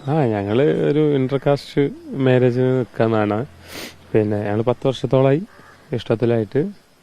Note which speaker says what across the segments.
Speaker 1: ഞങ്ങൾ ഒരു ഇന്റർകാസ്റ്റ് മാരേജിന് നിൽക്കുന്നതാണ്. പിന്നെ ഞങ്ങൾ 10 വർഷത്തോളമായി ഇഷ്ടത്തിലായിട്ട്.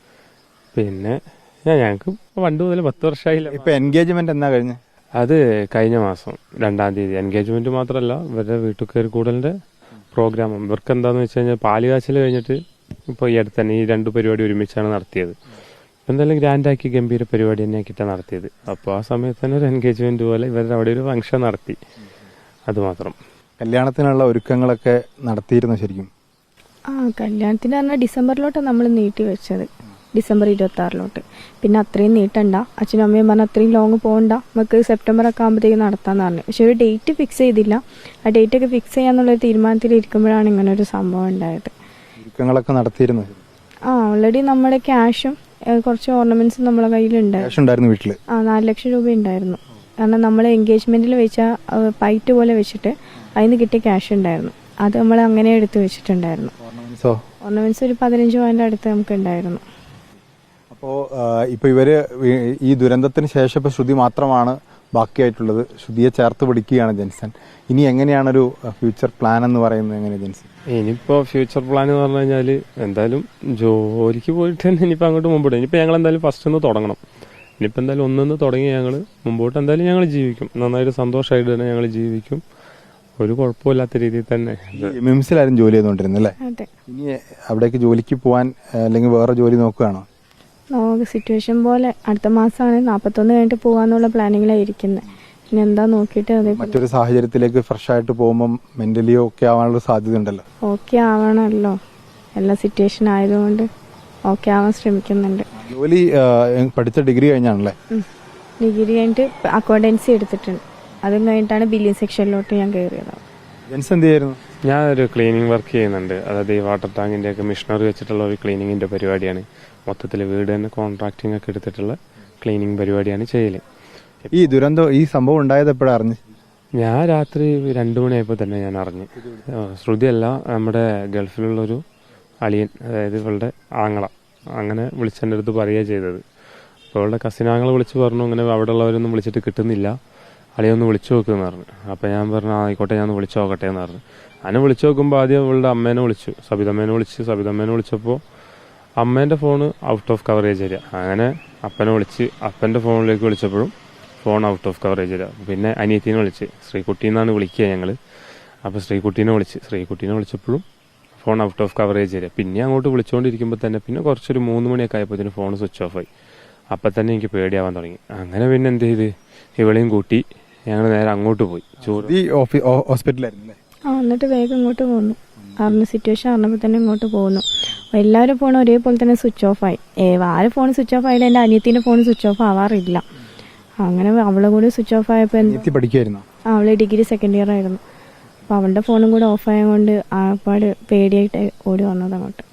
Speaker 1: പിന്നെ ഞങ്ങൾക്ക് പണ്ട് മുതൽ 10 വർഷമായില്ല.
Speaker 2: ഇപ്പൊ എൻഗേജ്മെന്റ് എന്നാ കഴിഞ്ഞ്?
Speaker 1: അത് കഴിഞ്ഞ മാസം 2-ാം തീയതി. എൻഗേജ്മെന്റ് മാത്രമല്ല, ഇവരുടെ വീട്ടിൽ കയറി കൂടലിന്റെ പ്രോഗ്രാം. ഇവർക്ക് എന്താന്ന് വെച്ച് കഴിഞ്ഞാൽ പാലുകാച്ചൽ കഴിഞ്ഞിട്ട് ഇപ്പോൾ ഈ അടുത്ത് തന്നെ ഈ 2 പരിപാടി ഒരുമിച്ചാണ് നടത്തിയത്. എന്തായാലും ഗ്രാൻഡാക്കി ഗംഭീര പരിപാടി തന്നെ ആക്കിയിട്ടാണ് നടത്തിയത്. അപ്പോൾ ആ സമയത്ത് തന്നെ ഒരു എൻഗേജ്മെന്റ് പോലെ ഇവരുടെ അവിടെ ഒരു ഫംഗ്ഷൻ നടത്തി. അതുമാത്രം.
Speaker 2: കല്യാണത്തിനുള്ള ഒരുക്കങ്ങളൊക്കെ നടത്തിയിരുന്നു ശരിക്കും?
Speaker 3: കല്യാണത്തിന് പറഞ്ഞാൽ ഡിസംബറിലോട്ടാണ് നമ്മൾ നീട്ടി വെച്ചത്, ഡിസംബർ 26 പിന്നെ അത്രയും നീട്ടണ്ട, അച്ഛനും അമ്മയും പറഞ്ഞാൽ അത്രയും ലോങ് പോകണ്ട, നമുക്ക് സെപ്റ്റംബർ ഒക്കെ ആകുമ്പോഴത്തേക്ക് നടത്താമെന്ന് പറഞ്ഞു. പക്ഷെ ഒരു ഡേറ്റ് ഫിക്സ് ചെയ്തില്ല. ആ ഡേറ്റ് ഒക്കെ ഫിക്സ് ചെയ്യാന്നുള്ളൊരു തീരുമാനത്തിൽ ഇരിക്കുമ്പോഴാണ് ഇങ്ങനെ ഒരു സംഭവം ഉണ്ടായത്.
Speaker 2: ഒരുക്കങ്ങളൊക്കെ നടത്തിയിരുന്നു?
Speaker 3: ഓൾറെഡി നമ്മുടെ ക്യാഷും കുറച്ച് ഓർണമെന്റ്സും നമ്മളെ കയ്യിലുണ്ടായിരുന്നു.
Speaker 2: വീട്ടില്
Speaker 3: 4 ലക്ഷം രൂപ ഉണ്ടായിരുന്നു. കാരണം നമ്മൾ എൻഗേജ്മെന്റിൽ വെച്ച പൈറ്റ് പോലെ വെച്ചിട്ട് അതിന് കിട്ടിയ ക്യാഷ് ഉണ്ടായിരുന്നു. അത് നമ്മൾ അങ്ങനെ എടുത്ത് വെച്ചിട്ടുണ്ടായിരുന്നു. ഓർണമെന്റ്സ് ഒരു 15 പവന്റെ അടുത്ത് നമുക്ക് ഉണ്ടായിരുന്നു.
Speaker 2: അപ്പോൾ ഇപ്പൊ ഇവര് ഈ ദുരന്തത്തിന് ശേഷം ഇപ്പൊ ശ്രുതി മാത്രമാണ് ബാക്കിയായിട്ടുള്ളത്. ശ്രുതിയെ ചേർത്ത് പിടിക്കുകയാണ് ജെൻസൺ. ഇനി എങ്ങനെയാണൊരു ഫ്യൂച്ചർ പ്ലാൻ എന്ന് പറയുന്നത്? എങ്ങനെ ജെൻസൺ
Speaker 1: ഇനിയിപ്പോ ഫ്യൂച്ചർ പ്ലാൻ എന്ന് പറഞ്ഞു കഴിഞ്ഞാല് എന്തായാലും ജോലിക്ക് പോയിട്ട് തന്നെ ഇനിയിപ്പോ അങ്ങോട്ട് മുമ്പോട്ട്. ഇനിയിപ്പോ ഞങ്ങൾ എന്തായാലും ഫസ്റ്റ് ഒന്ന് തുടങ്ങണം. ഇനിയിപ്പോ എന്തായാലും ഒന്നൊന്ന് തുടങ്ങി ഞങ്ങൾ മുമ്പോട്ട് എന്തായാലും ഞങ്ങൾ ജീവിക്കും. നന്നായിട്ട് സന്തോഷമായിട്ട് തന്നെ ഞങ്ങൾ ജീവിക്കും. ഒരു കുഴപ്പമില്ലാത്ത രീതിയിൽ തന്നെ.
Speaker 2: മിംസിലാരും ജോലി ചെയ്തോണ്ടിരുന്നല്ലേ? ഇനി അവിടേക്ക് ജോലിക്ക് പോവാൻ അല്ലെങ്കിൽ വേറെ ജോലി നോക്കുകയാണോ?
Speaker 3: സിറ്റുവേഷൻ പോലെ അടുത്ത മാസമാണ് 41 കഴിഞ്ഞിട്ട് പോകാന്നുള്ള പ്ലാനിങ്ങിലായിരിക്കുന്നത്. ഇനി എന്താ നോക്കിയിട്ട്
Speaker 2: മറ്റൊരു സാഹചര്യത്തിലേക്ക് ഫ്രഷ് ആയിട്ട് പോകുമ്പോൾ മെന്റലി ഓക്കെ ആവാനുള്ള സാധ്യത ഉണ്ടല്ലോ.
Speaker 3: ഓക്കെ ആവണമല്ലോ, എല്ലാ സിറ്റുവേഷൻ ആയതുകൊണ്ട് ഓക്കെ ആവാൻ ശ്രമിക്കുന്നുണ്ട്.
Speaker 2: ജോലി പഠിച്ച ഡിഗ്രി കഴിഞ്ഞാണല്ലേ?
Speaker 3: ഡിഗ്രി കഴിഞ്ഞിട്ട് അക്കൗണ്ടൻസി എടുത്തിട്ടുണ്ട്. അതും കഴിഞ്ഞിട്ടാണ് ബില്ലിംഗ് സെക്ഷനിലോട്ട് ഞാൻ കയറിയത്.
Speaker 1: ഞാനൊരു ക്ലീനിങ് വർക്ക് ചെയ്യുന്നുണ്ട്. അതായത് ഈ വാട്ടർ ടാങ്കിന്റെ ഒക്കെ മിഷനറി വെച്ചിട്ടുള്ള ഒരു ക്ലീനിങ്ങിന്റെ പരിപാടിയാണ്. മൊത്തത്തിൽ വീട് തന്നെ കോൺട്രാക്ടിങ് ഒക്കെ എടുത്തിട്ടുള്ള ക്ലീനിങ് പരിപാടിയാണ് ചെയ്യല്.
Speaker 2: ഈ ദുരന്തം, ഈ സംഭവം ഉണ്ടായത് എപ്പോഴാണ് അറിഞ്ഞു?
Speaker 1: ഞാൻ രാത്രി 2 മണിയായപ്പോൾ തന്നെ ഞാൻ അറിഞ്ഞു. ശ്രുതിയല്ല, നമ്മുടെ ഗൾഫിലുള്ളൊരു അളിയൻ, അതായത് ഇവളുടെ ആങ്ങള, അങ്ങനെ വിളിച്ചെൻ്റെ അടുത്ത് പറയുക ചെയ്തത്. അപ്പോൾ ഇവളുടെ കസിനാങ്ങളെ വിളിച്ച് പറഞ്ഞു ഇങ്ങനെ അവിടെ ഉള്ളവരൊന്നും വിളിച്ചിട്ട് കിട്ടുന്നില്ല, അളിയൊന്ന് വിളിച്ചു നോക്കുമെന്ന് പറഞ്ഞു. അപ്പോൾ ഞാൻ പറഞ്ഞു ആയിക്കോട്ടെ, ഞാൻ ഒന്ന് വിളിച്ചു നോക്കട്ടെ എന്ന് പറഞ്ഞു. അങ്ങനെ വിളിച്ചു നോക്കുമ്പോൾ ആദ്യം ഇവളുടെ അമ്മേനെ വിളിച്ചു, സബിതമ്മേനെ വിളിച്ചപ്പോൾ അമ്മേൻ്റെ phone out of coverage area. അങ്ങനെ അപ്പനെ വിളിച്ച് അപ്പൻ്റെ ഫോണിലേക്ക് വിളിച്ചപ്പോഴും phone out of coverage area. പിന്നെ അനിയത്തിനെ വിളിച്ച്, ശ്രീകുട്ടി എന്നാണ് വിളിക്കുക ഞങ്ങൾ. അപ്പോൾ ശ്രീകുട്ടീനെ വിളിച്ചപ്പോഴും phone out of coverage area. പിന്നെ അങ്ങോട്ട് വിളിച്ചുകൊണ്ടിരിക്കുമ്പോൾ തന്നെ പിന്നെ കുറച്ചൊരു 3 മണിയൊക്കെ ആയപ്പോഴത്തേന് ഫോൺ സ്വിച്ച് ഓഫ് ആയി. അപ്പം തന്നെ എനിക്ക് പേടിയാവാൻ തുടങ്ങി. അങ്ങനെ പിന്നെ എന്ത് ചെയ്ത് ഇവളെയും കൂട്ടി ഞങ്ങൾ നേരെ അങ്ങോട്ട് പോയി.
Speaker 2: ഹോസ്പിറ്റലായിരുന്നു.
Speaker 3: എന്നിട്ട് വേഗം ഇങ്ങോട്ട് പോന്നു. സിറ്റുവേഷൻ അറിഞ്ഞപ്പോൾ തന്നെ ഇങ്ങോട്ട് പോകുന്നു. എല്ലാവരും ഫോൺ ഒരേപോലെ തന്നെ സ്വിച്ച് ഓഫ് ആയി. ആരെ ഫോൺ സ്വിച്ച് ഓഫ് ആയാലും എൻ്റെ അനിയത്തിൻ്റെ ഫോൺ സ്വിച്ച് ഓഫ് ആവാറില്ല. അങ്ങനെ അവളെ കൂടി സ്വിച്ച് ഓഫ് ആയപ്പോൾ അവള് ഡിഗ്രി 2nd ഇയർ ആയിരുന്നു. അപ്പോൾ അവളുടെ ഫോണും കൂടെ ഓഫ് ആയതുകൊണ്ട് ആപ്പാട് പേടിയായിട്ട് ഓടി വന്നത് അങ്ങോട്ട്.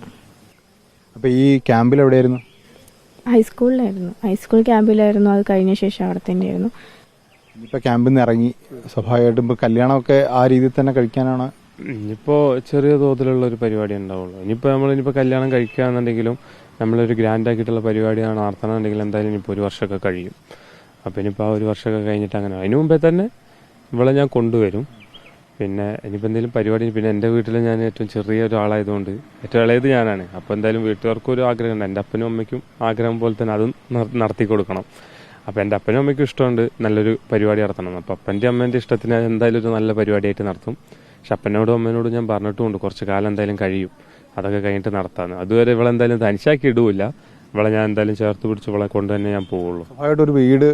Speaker 2: അപ്പോൾ ഈ ക്യാമ്പിൽ എവിടെയായിരുന്നു?
Speaker 3: ഹൈസ്കൂളിലായിരുന്നു. ഹൈസ്കൂൾ ക്യാമ്പിലായിരുന്നു. അത് കഴിഞ്ഞ ശേഷം അവിടെ തന്നെയായിരുന്നു.
Speaker 2: ഇനിയിപ്പോൾ ക്യാമ്പിൽ നിന്ന് ഇറങ്ങി സ്വാഭാവികമായിട്ടും ഇപ്പോൾ കല്യാണമൊക്കെ ആ രീതിയിൽ തന്നെ കഴിക്കാനാണ്?
Speaker 1: ഇനിയിപ്പോൾ ചെറിയ തോതിലുള്ള ഒരു പരിപാടി ഉണ്ടാവുള്ളൂ. ഇനിയിപ്പോൾ കല്യാണം കഴിക്കുകയാണെന്നുണ്ടെങ്കിലും നമ്മളൊരു ഗ്രാൻഡ് ആക്കിയിട്ടുള്ള പരിപാടിയാണ് നടത്തണമെന്നുണ്ടെങ്കിൽ എന്തായാലും ഇനിയിപ്പോൾ 1 വർഷമൊക്കെ കഴിയും. അപ്പോൾ ഇനിയിപ്പോൾ ആ 1 വർഷമൊക്കെ കഴിഞ്ഞിട്ട് അങ്ങനെ അതിന് മുമ്പേ തന്നെ ഇവളെ ഞാൻ കൊണ്ടുവരും. പിന്നെ ഇനിയിപ്പോൾ എന്തെങ്കിലും പരിപാടി, പിന്നെ എൻ്റെ വീട്ടിൽ ഞാൻ ഏറ്റവും ചെറിയ ഒരാളായതുകൊണ്ട് ഏറ്റവും ഇളയത് ഞാനാണ്. അപ്പോൾ എന്തായാലും വീട്ടുകാർക്കും ഒരു ആഗ്രഹമുണ്ട്, എൻ്റെ അപ്പനും അമ്മയ്ക്കും ആഗ്രഹം പോലെ തന്നെ അതും നടത്തി കൊടുക്കണം. അപ്പോൾ എൻ്റെ അപ്പനും അമ്മയ്ക്കും ഇഷ്ടമുണ്ട് നല്ലൊരു പരിപാടി നടത്തണം. അപ്പോൾ അപ്പൻ്റെ അമ്മേൻ്റെ ഇഷ്ടത്തിന് എന്തായാലും ഒരു നല്ല പരിപാടിയായിട്ട് നടത്തും. പക്ഷെ അപ്പനോടും അമ്മേനോടും ഞാൻ പറഞ്ഞിട്ടുമുണ്ട് കുറച്ച് കാലം എന്തായാലും കഴിയും, അതൊക്കെ കഴിഞ്ഞിട്ട് നടത്താമെന്ന്. അതുവരെ ഇവളെന്തായാലും തനിച്ചാക്കി ഇടൂല. ഇവളെ ഞാൻ എന്തായാലും ചേർത്ത് പിടിച്ച് ഇവളെ കൊണ്ട് തന്നെ ഞാൻ പോവുള്ളൂ.
Speaker 2: ഒരു വീട്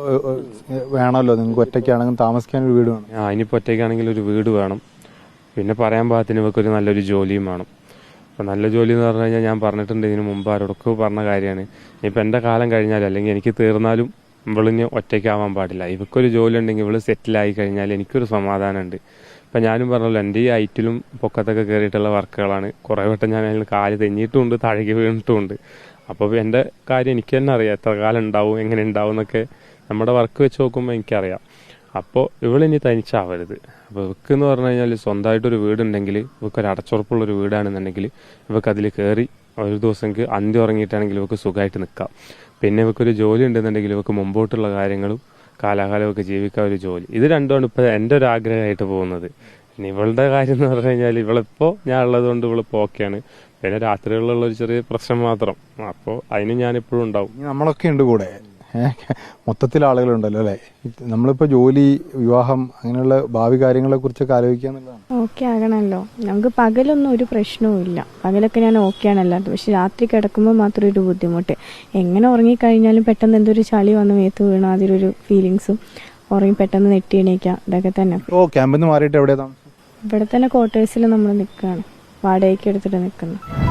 Speaker 2: വേണമല്ലോ നിങ്ങൾക്ക്, ഒറ്റയ്ക്കാണെങ്കിൽ താമസിക്കാൻ ഒരു വീട് വേണം.
Speaker 1: ഇനിയിപ്പോൾ ഒറ്റയ്ക്കാണെങ്കിൽ ഒരു വീട് വേണം. പിന്നെ പറയാൻ പാകത്തിന് ഇവക്കൊരു നല്ലൊരു ജോലിയും വേണം. അപ്പോൾ നല്ല ജോലി എന്ന് പറഞ്ഞു കഴിഞ്ഞാൽ ഞാൻ പറഞ്ഞിട്ടുണ്ട് ഇതിന് മുമ്പ് ആരോടൊക്കെ പറഞ്ഞ കാര്യമാണ്. ഇനിയിപ്പോൾ എൻ്റെ കാലം കഴിഞ്ഞാൽ അല്ലെങ്കിൽ എനിക്ക് തീർന്നാലും ഇവളിന് ഒറ്റയ്ക്കാവാൻ പാടില്ല. ഇവക്കൊരു ജോലി ഉണ്ടെങ്കിൽ ഇവള് സെറ്റിലായി കഴിഞ്ഞാൽ എനിക്കൊരു സമാധാനമുണ്ട്. ഇപ്പം ഞാനും പറഞ്ഞല്ലോ, എൻ്റെ ഈ ഹൈറ്റിലും പൊക്കത്തൊക്കെ കയറിയിട്ടുള്ള വർക്കുകളാണ്. കുറേ വട്ടം ഞാൻ അതിൽ കാല് തെന്നിയിട്ടുമുണ്ട്, താഴേക്ക് വീണിട്ടുമുണ്ട്. അപ്പോൾ എൻ്റെ കാര്യം എനിക്ക് തന്നെ അറിയാം, എത്ര കാലം ഉണ്ടാവും, എങ്ങനെ ഉണ്ടാവും എന്നൊക്കെ നമ്മുടെ വർക്ക് വെച്ച് നോക്കുമ്പോൾ എനിക്കറിയാം. അപ്പോൾ ഇവളിനി തനിച്ചാവരുത്. അപ്പോൾ ഇവക്ക് എന്ന് പറഞ്ഞു കഴിഞ്ഞാൽ സ്വന്തമായിട്ടൊരു വീടുണ്ടെങ്കിൽ, ഇവക്കൊരു അടച്ചുറപ്പുള്ളൊരു വീടാണെന്നുണ്ടെങ്കിൽ ഇവക്ക് അതിൽ കയറി ഒരു ദിവസം അന്തി ഉറങ്ങിയിട്ടാണെങ്കിൽ ഇവക്ക് സുഖമായിട്ട് നിൽക്കാം. പിന്നെ ഇവക്കൊരു ജോലി ഉണ്ടെന്നുണ്ടെങ്കിൽ ഇവക്ക് മുമ്പോട്ടുള്ള കാര്യങ്ങളും കാലാകാലമൊക്കെ ജീവിക്കാൻ ഒരു ജോലി. ഇത് രണ്ടുമാണ് ഇപ്പോൾ എൻ്റെ ഒരു ആഗ്രഹമായിട്ട് പോകുന്നത്. ഇനി ഇവളുടെ കാര്യം എന്ന് പറഞ്ഞു കഴിഞ്ഞാൽ ഇവളിപ്പോൾ ഞാൻ ഉള്ളത് കൊണ്ട് ഇവളിപ്പോൾ ഓക്കെയാണ്. പിന്നെ രാത്രികളിലുള്ള ഒരു ചെറിയ പ്രശ്നം മാത്രം. അപ്പോൾ അതിന് ഞാനിപ്പോഴും ഉണ്ടാവും.
Speaker 2: ഇനി നമ്മളൊക്കെ ഉണ്ട് കൂടെ. മൊത്തത്തിൽ ആളുകളുണ്ടല്ലോ അല്ലേ? നമ്മളിപ്പോൾ ജോലി, വിവാഹം, അങ്ങനെയുള്ള ഭാവി കാര്യങ്ങളെ കുറിച്ചൊക്കെ ആലോചിക്കുക എന്നുള്ളതാണ്.
Speaker 3: ഓക്കെ ആകണമല്ലോ. നമുക്ക് പകലൊന്നും ഒരു പ്രശ്നവും ഇല്ല. പകലൊക്കെ ഞാൻ ഓക്കെയാണ് അല്ലാത്തത്. പക്ഷെ രാത്രി കിടക്കുമ്പോൾ മാത്രം ഒരു ബുദ്ധിമുട്ട്. എങ്ങനെ ഉറങ്ങിക്കഴിഞ്ഞാലും പെട്ടെന്ന് എന്തൊരു ചളി വന്ന് മേത്ത് വീണ അതിലൊരു ഫീലിങ്സും, ഉറങ്ങി പെട്ടെന്ന് നെട്ടി എണീക്കുക, ഇതൊക്കെ തന്നെ.
Speaker 2: ഇപ്പോൾ ക്യാമ്പിൽ നിന്ന് മാറിയിട്ട് എവിടെയാണ് താമസം?
Speaker 3: ഇവിടെ തന്നെ ക്വാർട്ടേഴ്സിൽ നമ്മൾ നിൽക്കുകയാണ്, വാടകയ്ക്ക് എടുത്തിട്ട് നിൽക്കുന്നത്.